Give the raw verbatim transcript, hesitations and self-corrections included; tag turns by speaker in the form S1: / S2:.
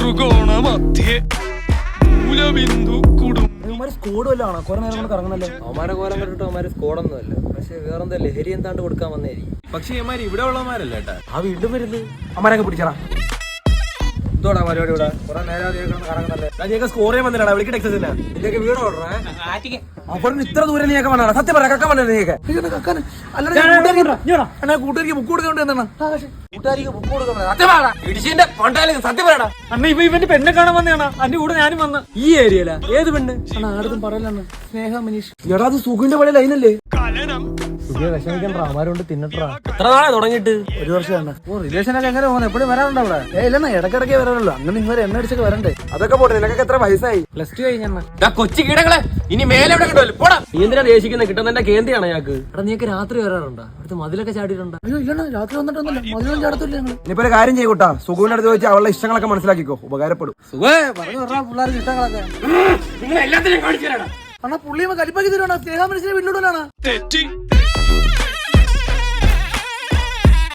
S1: ത്രികോണ മധ്യേ മൂലബിന്ദു കുടും
S2: സ്കോഡ് വല്ലതാണോ കുറെ നേരം കൊണ്ട് കറങ്ങുന്നല്ലോ.
S3: അവന്മാരെ കോലം കണ്ടിട്ട് അവന്മാര് സ്കോഡൊന്നും അല്ല, പക്ഷെ വേറെന്താ ലഹരി എന്താണ്ട് കൊടുക്കാൻ വന്നേരി.
S4: പക്ഷെ ഇവന്മാര് ഇവിടെ ഉള്ളമാരല്ല കേട്ടാ.
S2: ആ വീണ്ടും വരുന്നത് അമ്മരൊക്കെ പിടിച്ചടാ. എന്തോടാ പരിപാടി ഇവിടെ കുറെ നേരം കറങ്ങുന്നല്ലേ. നീക്ക് സ്കോർ ചെയ്യാൻ വന്നിട്ടാ വിളിക്കട്ടെ എക്സസൈസ് ഇതിലേക്ക് വീട് ഓടണേ. അവിടെ ഇത്ര ദൂരം നീയൊക്കെ വന്നാ സത്യം പറയാ കക്കാൻ വന്നത് നീയൊക്കെ അല്ലാതെ കൂട്ടുകാരിക്ക് ബുക്ക് കൊടുക്കേണ്ടി എന്താണ് കൂട്ടുകാരിക്ക് ബുക്ക് കൊടുക്കുന്നത് സത്യം പറയടാ. ഇടിച്ചിന്റെ കൊണ്ടാലും സത്യം പറയടാ.
S5: അണ്ണ ഇവ ഇവന്റെ പെണ്ണെ കാണാൻ വന്നതാണ്. അതിന്റെ കൂടെ ഞാനും വന്ന്.
S2: ഈ ഏരിയയില ഏത് പെണ്ണ് അണ്ണാ ആടും പറയലാണ് സ്നേഹ മനീഷ്. എടാ അത് സുഖിന്റെ പഴയ ലൈനല്ലേ.
S3: വിഷമിക്കണ്ടാ അവന്മാരോണ്ട് തിന്നിട്ടാ.
S2: എത്ര നാളെ തുടങ്ങിയിട്ട് ഒരു വർഷമാണ്. ഓ റിലേഷനൊക്കെ എങ്ങനെ പോകുന്നത് എപ്പോഴും വരാറുണ്ടോ അവിടെ? ഏ ഇല്ലെന്നാ ഇടക്കിടക്കേ വരാറുള്ളൂ. അങ്ങനെ ഇവരെ എണ്ണ അടിച്ചൊക്കെ വരണ്ടേ. അതൊക്കെ പോട്ടെ നിനക്കൊക്കെ എത്ര വയസ്സായി?
S5: പ്ലസ് ടു കഴിഞ്ഞ
S4: കൊച്ചു കീടങ്ങളെ ഇനി മേലെ എവിടെ കിട്ടുമല്ലോ പോടാ.
S3: നീ എന്തിനാ ദേശിക്കുന്നത്? കിട്ടുന്നതിന്റെ കേന്ദ്രയാണ് ഞങ്ങൾക്ക്. എടാ നീക്ക് രാത്രി വരാറുണ്ടോ? അടുത്ത് മതിലൊക്കെ ചാടിയിട്ടുണ്ടോ?
S2: അയ്യോ ഇല്ലണ്ണ രാത്രി വന്നിട്ടൊന്നുമില്ല. മതിലും ചാടത്തില്ല ഞങ്ങള്. ഇനിയിപ്പോ ഒരു കാര്യം ചെയ്യൂട്ടാ, സുഖുവിന്റെ അടുത്ത് വെച്ച് അവളുടെ ഇഷ്ടങ്ങളൊക്കെ മനസ്സിലാക്കിക്കോ, ഉപകാരപ്പെടും. സുഖേ പറഞ്ഞു പറഞ്ഞ പിള്ളേർക്ക് ഇഷ്ടങ്ങളൊക്കെ
S4: നിങ്ങൾ എല്ലാത്തിനും കാണിച്ചു തരാടാ.
S2: അണ്ണാ പുള്ളിയെ കലിപ്പാക്കി തരുവാണ്. സ്നേഹ മനുഷ്യനെ വീട്ടിലോട്ടാണ്
S1: തെറ്റി